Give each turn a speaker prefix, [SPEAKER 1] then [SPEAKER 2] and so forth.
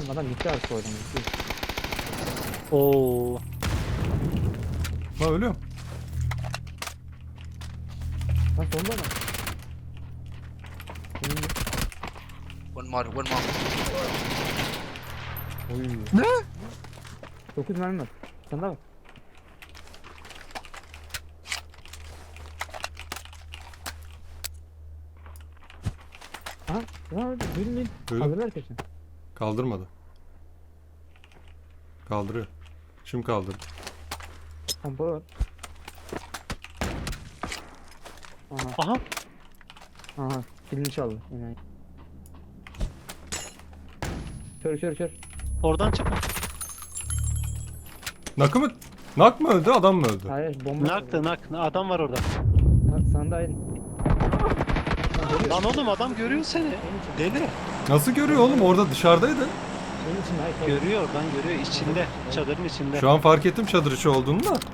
[SPEAKER 1] Adam gitti artık oradan. Gitti.
[SPEAKER 2] Oo.
[SPEAKER 3] Ha ölüyorum.
[SPEAKER 1] Lan sonunda adam.
[SPEAKER 4] One more, one more.
[SPEAKER 1] Oy.
[SPEAKER 3] Ne?
[SPEAKER 1] 9 mermi var. Sen de bak. Aha. Lan öyle. Duydun değil.
[SPEAKER 3] Duydum.
[SPEAKER 1] Kaldırlar kesin.
[SPEAKER 3] Kaldırmadı. Kaldırıyor. Şimdi kaldırdı.
[SPEAKER 1] Pompalı var. Aha.
[SPEAKER 2] Aha.
[SPEAKER 1] Aha. Kilini çaldı. Yani. Kör.
[SPEAKER 2] Oradan çık.
[SPEAKER 3] Nakı mı? Nak mı öldü, adam mı öldü?
[SPEAKER 1] Hayır bomba.
[SPEAKER 2] Naktı nak. Adam var orada.
[SPEAKER 1] Sanda aydın.
[SPEAKER 2] Lan oğlum adam görüyor seni. Deli.
[SPEAKER 3] Nasıl görüyor oğlum? Orada dışarıdaydı.
[SPEAKER 1] Benim için hayır.
[SPEAKER 2] Görüyor oradan görüyor. İçinde. Çadırın içinde.
[SPEAKER 3] Şu an fark ettim çadır içi olduğunu da.